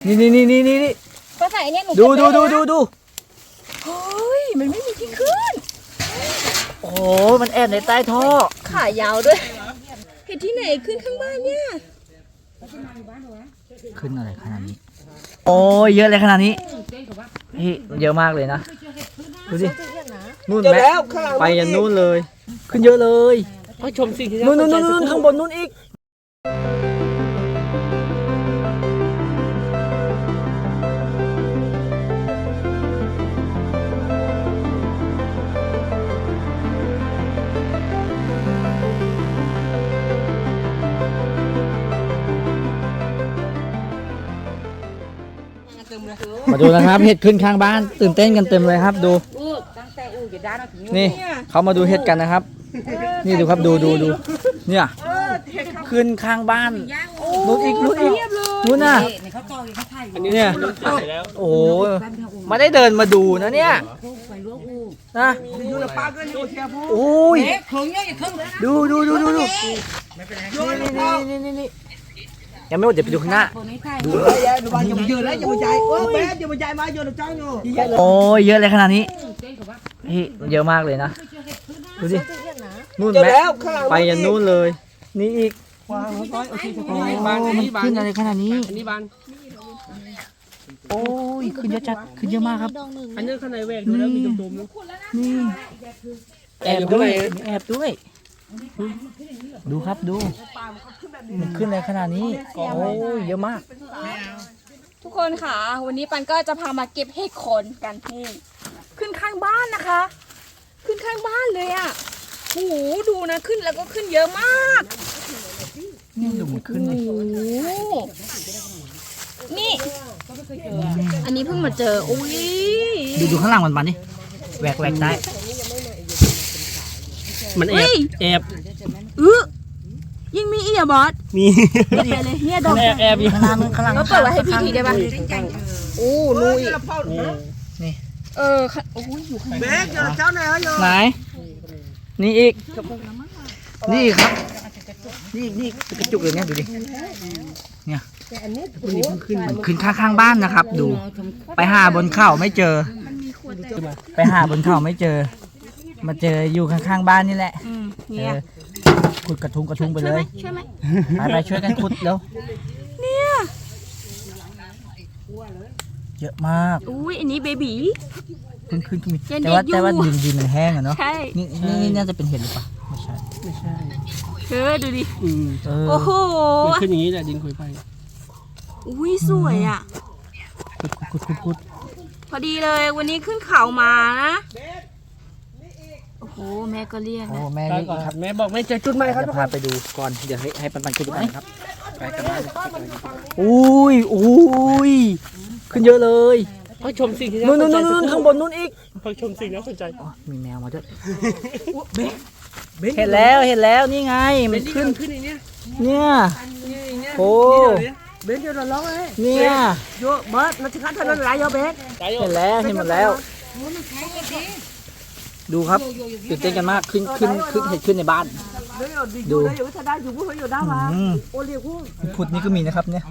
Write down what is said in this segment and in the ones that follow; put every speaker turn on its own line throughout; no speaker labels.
นี่
ก็ใส่เนี่ยหนู
ดู
เฮ้ยมันไม่มีที่ขึ้น
โอ้มันแอบในใต้ท่อ
ขายาวด้วยเห็นที่ไหนขึ้นข้างบ้านเนี่ย
ขึ้นอะไรขนาดนี้โอ้ยเยอะเลยขนาดนี้พี่เยอะมากเลยนะดูดินู่นแม่ไปยันนู่นเลยขึ้นเยอะเลยไปชมสิ่งที่นู่นข้างบนนู่นอีกมาดูนะครับเห็ดขึ้นข้างบ้านตื่นเต้นกันเต็มเลยครับดูนี่เขามาดูเห็ดกันนะครับนี่ดูครับดูเนี่ยขึ้นข้างบ้านนู่นอีกนู่นน่ะเนี่ยโอ้โหมาได้เดินมาดูนะเนี่ยนะโอ้ยดูนี่ยังไม่หมดเดี๋ยวไปดูข้างหน้าโอ้ยเยอะเลยขนาดนี้พี่เยอะมากเลยนะดูดินู่นแม่ไปยันนู่นเลยนี่อีกมันขึ้นอะไรขนาดนี้โอ้ยขึ้นเยอะจัดขึ้นเยอะมากครับ
อันนี้ข้างในแหวกดูแล้วมีตุ่มๆ
นี่แอบด้วยดูครับดูมันขึ้นอะไรขนาดนี้โอ้ยเยอะมาก
ทุกคนค่ะวันนี้ปันก็จะพามาเก็บเห็ดโคนกันนี่ขึ้นข้างบ้านนะคะ ขึ้นข้างบ้านเลยอ่ะโอ้โหดูนะขึ้นแล้วก็ขึ้นเยอะมาก
นี่ดูมันขึ้นเลย
นี่อันนี้เพิ่งมาเจออุ้ย
ดูข้างล่างมันดิแหวกได้
มันแอบ
ยังมีอีกอ่ะบอส
มี
ไปเลยเนี่ยดอก
แอบอยู่ข้างล่าง
ก็เปิดไว้ให้พี่ทีได้ป่ะโอ้นูอีก
นี่
โอ้ยอยู่ข้าง
เบกเจ้าไหนอยู่
ไหนนี่อีกนี่ครับนี่กระจุกเลยเนี่ยดูดิเนี่ยขึ้นข้างบ้านนะครับดูไปหาบนเขาไม่เจอไปหาบนเขาไม่เจอมาเจออยู่ข้างบ้านนี่แหละขุดกระทุงไปเลย
ช่วยไหม
ไปช่วยกันขุดแล้ว
เนี่ย
เยอะมาก
อุ้ยอันนี้เบบี
ขึ้นแต่ว่าดินมันแห้งอะเนาะนี่น่าจะเป็นเห็ดหรือเปล่าไม่ใช่
ดูดิ
โอ้โหมันขึ้นอย่างนี้แหละดินคุยไป
อุ้ยสวยอ่ะ
ขุด
พอดีเลยวันนี้ขึ้นเขามานะโอ้โหแม่ก็เรียกนะ
แม่
ครับแม่บอกแม่เจอจุดใหม่ครับ
จะพาไปดูก่อนเดี๋ยวให้ปันขุดดูกันครับไปกันบ้านอุ้ยขึ้นเยอะเลย
พอชมสิ่งที่
นู่นข้างบนนู่นอีก
พอชมสิ่งน่าสนใจ
มีแมวมาด้วยเห็นแล้วนี่ไงมันขึ้นเนี่ยโอ้
เบนจะร้องเลย
เนี่ย
โยเบิร์ดนักขัดถนนไรโยเบน
เห็นหมดแล้วดูครับตื่นเต้นกันมากขึ้นเห็ดขึ้นในบ้านดูขุดนี่ก็มีนะครับเนี่ย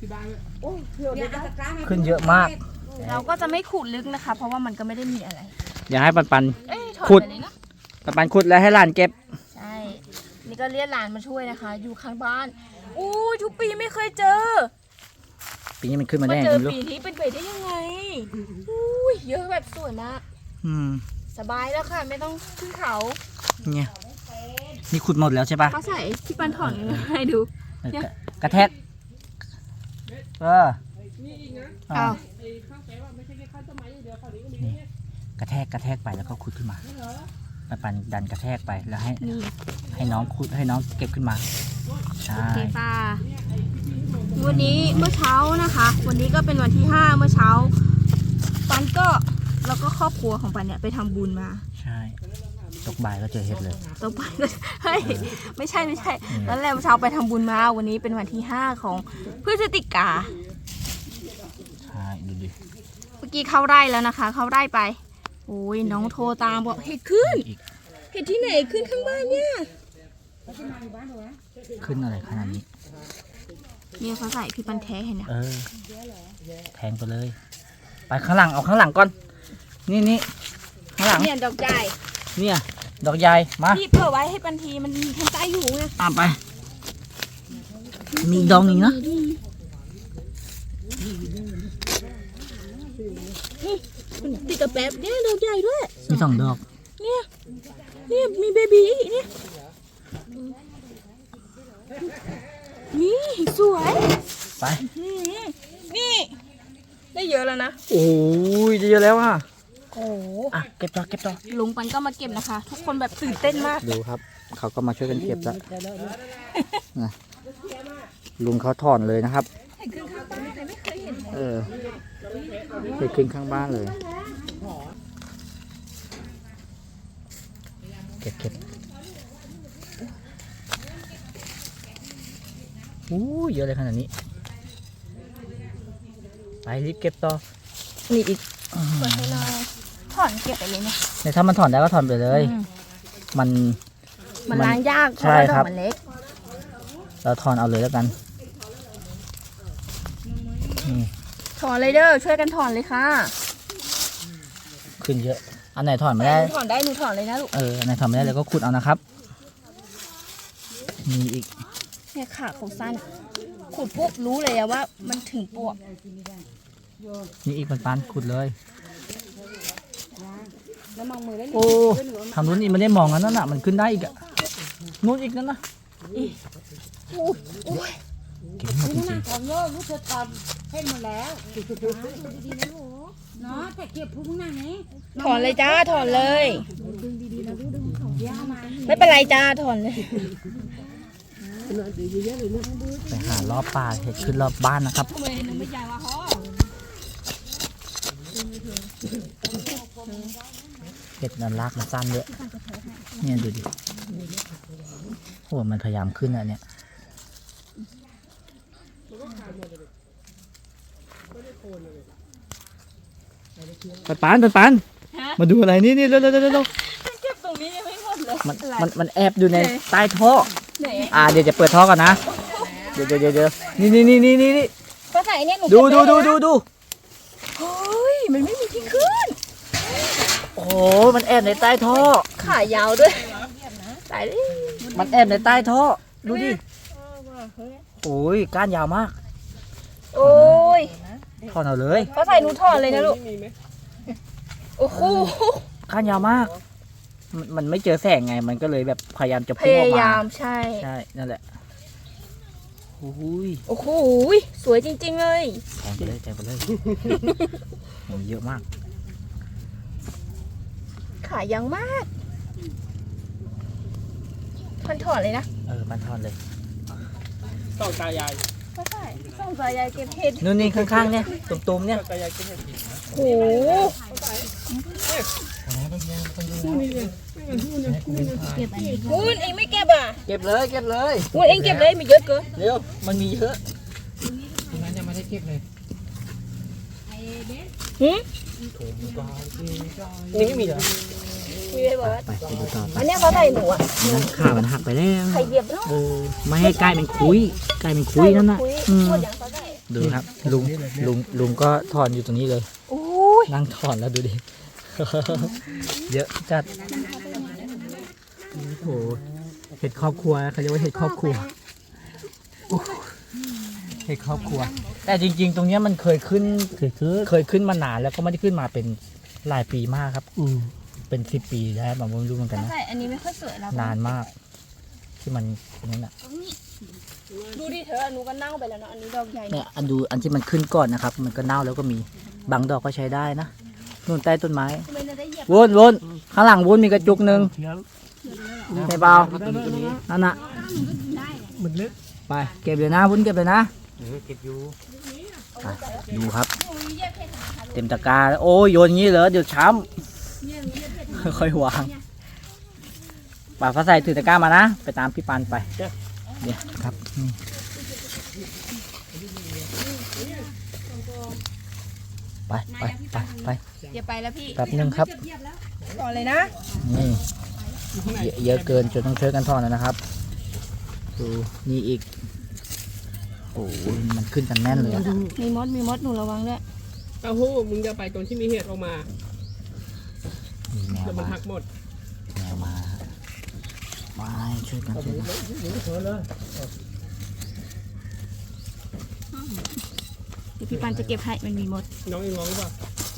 ขึ้นเยอะมาก
เราก็จะไม่ขุดลึกนะคะเพราะว่ามันก็ไม่ได้มีอะไร
อย่าให้ปันขุดขุดแล้วให้หลานเก็บ
ใช่นี่ก็เรียกหลานมาช่วยนะคะอยู่ข้างบ้านอู้ทุกปีไม่เคยเจอ
ปีนี้มันขึ้นมาได้
เจอปีนี้เป็นไปได้ยังไงอู้เยอะแบบสวยมากสบายแล้วค่ะไม่ต้องขึ้นเขา
เนี่ยนี่ขุดหมดแล้วใช่ปะ
เขาใส่ที่ปันถอนให้ดู
กระแทก
อ้าว
กระแทกไปแล้วก็ขุดขึ้นมาปันดันกระแทกไปแล้วให้น้องขุดให้น้องเก็บขึ้นมาใช่
วันนี้เมื่อเช้านะคะวันนี้ก็เป็นวันที่5เมื่อเช้าปันก็แล้วก็ครอบครัวของปันเนี่ยไปทำบุญมา
ใช่ตกบ่ายก็เจอเห็ดเลย
ตกบ่ายเฮ้ยไม่ใช่แล้วแหละเมื่อเช้าไปทำบุญมาวันนี้เป็นวันที่5ของพฤศจิกา
ใช่ดูดิ
เมื่อกี้เข้าไร่แล้วนะคะเข้าไร่ไปโอ้ยน้องโทรตามบอกเห็ดขึ้นเห็ดที่ไหนขึ้นข้างบ้านเนี่ย
ขึ้นอะไรขนาดนี้
เนี่ยเขาใส่พี่ปันแท้เห็นไหม
แทงไปเลย ไปข้างหลังเอาข้างหลังก่อนนี่ข้างหลัง
เนี่ยดอกใหญ่
เนี่ยดอกใหญ่มา
พี่เผื่อไว้ให้ปันทีมันทันใจอยู่ไง
ไปมีดอกหนึ่งนะ
มันติดกระแป๊บเนี่ยดอกใหญ่ด้วย
มี2 ดอก
เนี่ยมีเบบีอีกเนี่ยนี่สวย
ไป
นี่ได้เยอะแล้วนะ
โอ้ยเยอะแล้วอ่ะ
โอ้โห
เก็บต่อ
ลุงปันก็มาเก็บนะคะ ทุกคนแบบตื่นเต้นมาก
ดูครับ เขาก็มาช่วยกันเก็บแล้วนะลุงเขาถอนเลยนะครับ
เห็นขึ้นข้างบ้านใครไม่เคยเห็น
ไปขึ้นข้างบ้านเลย เก็บอู้เยอะเลยขนาดนี้ ไปรีบเก็บต่อ
นี่อีกเปิดให้หน่อยถอนเก็บไปเลยเนี่ย
เนี่ยถ้ามันถอนได้ก็ถอนไปเลย มัน
ล้างยากเพ
ใช่
ราะว่าด
ค
อ
รับ
กมันเล็ก
เราถอนเอาเลยแล้วกันนี่
ถอนเลยเด้อช่วยกันถอนเลยค่ะ
ขึ้นเยอะ อันไหนถอนไม่ได้
หนูถอนได้หนูถอนเลยนะลูก
อันไหนถอนไม่ได้เลยก็ขุดเอานะครับ มีอีก
เนี่ยขาเขาสั้นขุดปุ๊บรู้เลยอะว่ามันถึงปวก
มีอีกปันขุดเลย
แล้วมองมือได้
โอ้ทางนู้นนี่มันได้มองกันนั่นน่ะ มันขึ้นได้อีกอะนู้นอีกนั่นนะเก็บหมดจริง
ทำโลกรู้เธอทำให้หมดแล้วดีๆนะลูกเนาะแต่เก็บพุงหน้าไหน
ถอนเลยจ้าถอนเลย ไม่เป็นไรจ้าถอนเลย
ๆไปหารอบป่าเห็ดขึ้นรอบบ้านนะครับ
ทำไมหนูไม่ใหญ่วะพ่อ
เห็ดนั้นรากมันสั้นเยอะเนี่ยดูดิโอ้มันพยายามขึ้นอ่ะเนี่ยปันมาดูอะไรนี่เร็ว
เก็บตรงนี้ยังไม่หมดเลย
มันแอบอยู่ในใต้ท่อ
ไหน
เดี๋ยวจะเปิดท่อก่อนนะ เดี๋ยวนี่
ก็ใส่เนี่ยหนู
ดู
เก็บได้นะ
ดู
เฮ้ยมันไม่มีที่ขึ้น
โอ้มันแอบในใต้ท่อ
ขายาวด้วยตายดิ
มันแอบในใต้ท่อ ดูดิ โอ้ยก้านยาวมาก
โอ้ย
ถอนเอาเลย
ก็ใส่หนูถอนเลยนะลูกโอ้โห
ก้านยาวมาก มันไม่เจอแสงไง มันก็เลยแบบพยายามจะ
พ
พุ่งออก
ยายา
มา
มใช่
ใช่ นั่นแหละโอ้ย
โอ้โหสวยจริงๆเลย
แทงไปเลยโอ้ยเยอะมาก
ขายยังมากมันถอนเลยนะ
มันถอนเลย
ต้องตายาย
ก็ใช่ส่งสายยายเก็บเห็ด
นู่นนี่ข้างๆเนี่ยตุ่มๆเนี่ย
ตายายกินเห็ด
โอ้โหวุ้นเองไม่เก็บอ่ะ
เก็บเลย
วุ้นเองเก็บเลยมีเยอะเกิน
เร็ว มันมีเยอะ
นั้นยังไม่ได้เก็บเลย
หืม
นี่ไม่มีเหรอ
มีเลยบอกว่า
ไปดูต่อไป
อันเนี้ยเขาใส่หนูอ่ะ
ขามันหักไปแล้ว
ไข่เหยียบเนาะ
ไม่ให้ใกล้เป็นคุยนั่นน่ะ
คุยหมดอย่างเขาใส่
ดูครับ ลุงก็ถอนอยู่ตรงนี้เลย
โอ้ย
นั่งถอนแล้วดูดิ เยอะจัด โอ้โห เห็ดครอบครัวเขาเรียกว่าเห็ดครอบครัวโอ้โหเห็ดครอบครัว แต่จริง ๆ ตรงเนี้ยมันเคยขึ้นมานานแล้วก็ไม่ได้ขึ้นมาเป็นหลายปีมากครับ เป็น10 ปีแล้วผมไม่รู้เหมือนกัน
เขา
นะ
ใส่อันนี้ไม่ค่อยสวยแล้ว
นานมาก ที่มันนั่นน่ะ
ดูดิเธอหนูก็เน่าไปแล้วเนาะอันนี้ดอกใหญ่
เนี่ยอันที่มันขึ้นก่อนนะครับ มันก็เน่าแล้วก็มีบางดอกก็ใช้ได้นะนู่นใต้ต้นไม้
ทำไมเราได้เหยียบ
วนข้างหลังวนมีกระจุกหนึ่งใช่เปล่านั่นน่ะ
มันเล็ก
ไปเก็บเลยนะวุ้นเก็บเลยนะ
เก็บอยู่
ไปดูครับ เต็มตะกร้าโอ้ยโยนงี้เหรอเดี๋ยวช้ำค่อยๆวางป่าฟ้าใสถือตะกร้ามานะไปตามพี่ปันไปเนี่ยครับนี่ไป
เดี๋ยวไปแล้วพี่
แป๊บนึงครับ
ก่อนเลยนะ
นี่เยอะเกินจนต้องช่วยกันถอนนะครับดูนี่อีกโอ้โหมันขึ้นกันแน่นเลยอะ
มีมดหนูระวังด้วย
เต้าหู้มึงจะไปตรงที่มีเห็ดออกมา
มีแมว
เดี๋ยวมัน
มา
หักหมด
แมวมามาช่วยกันช่วยกัน
เดี๋ยวพี่ปันจะเก็บให้มันมีมด
น้องเองร้องหรือเปล่า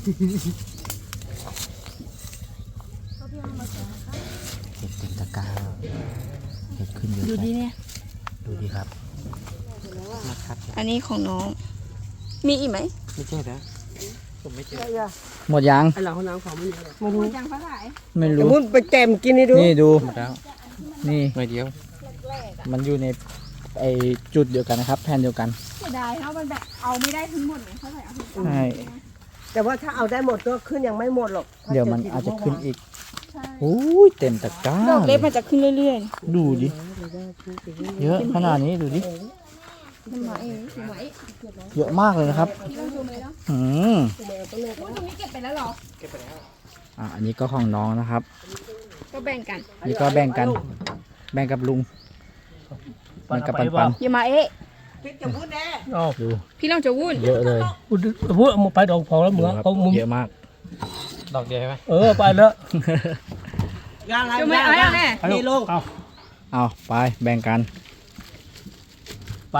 เห็ดเต็มตะกร้าเห็ดขึ้นเยอะ
ดูดิเนี่ย
ดูดิครับ
อันนี้ของน้อง มีอีกไหม
ไม่ใช่นะผมไม่เจอ
หมดยัง
ไอ้หลังห้องน้ำของไม่มีหรอก
ไม่รู้ยังเท่าไหร่
ไม่
แต่
รู้
มึงไปแกมกินให้ดู
นี่ดู
หมดแล้ว
นี่
หน่อยเดียว
มันอยู่ในไอจุดเดียวกันนะครับ แผ่นเดียวกัน
เสียดายเพราะมันแบบเอาไม่ได้ทั้งหมดเลยเท่าไหร่เอาถึง
ใช่
แต่ว่าถ้าเอาได้หมดก็ขึ้นยังไม่หมดหรอก
เดี๋ยวมันอาจจะขึ้นอีก
ใช่
โอ้ยเต็มตะกร้า
ดอกเล็กมันจะขึ้นเรื่อย
ดูดิ เยอะขนาดนี้ดูดิ
ๆมันมาเองถูกไหม
เยอะมากเลยนะครับ
พี่ต้องดูไหมเนาะ
อืม
อุ๊ยตรงนี้เก็บไปแล้วเหรอ
อันนี้ก็ของน้องนะครับ
ก็แบ่งกัน
นี่ก็แบ่งกัน แบ่งกับลุงแบ่งกับปันปัน
อย่ามาเอ๊ะ
ดู
พี่ลองจะวุ่น
เยอะเลย
พูดเอาไปดอกพอแล้วมึง
ดูครับ
เขามึง
เยอะมาก
ดอกเดียวใช่ไหม
ไปแล้ว
จะไม่เอาแน่
นี่ลูกเอา
เอาไปแบ่งกัน
ไป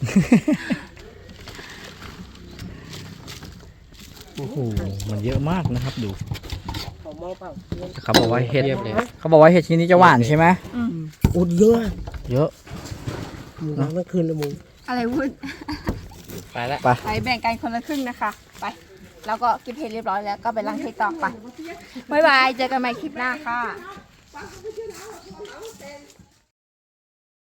โอ้โห มันเยอะมากนะครับดู
ผมมองเปล่า
เขาบอกว่าเห็ดเขาบอกว่าเห็ดชนิดนี้จะหวานใช่ไหม
อุดเยอะ
เยอะ
มึงร้องทั้งคืนเลยมึง
อะไรวุ่น
ไปแล้ว
ไป
ไปแบ่งกันคนละครึ่งนะคะ ไป แล้วก็เก็บเห็ดเรียบร้อยแล้วก็ไปล้างเห็ดต่อไปบ๊ายบาย เจอกันใหม่คลิปหน้าค่ะ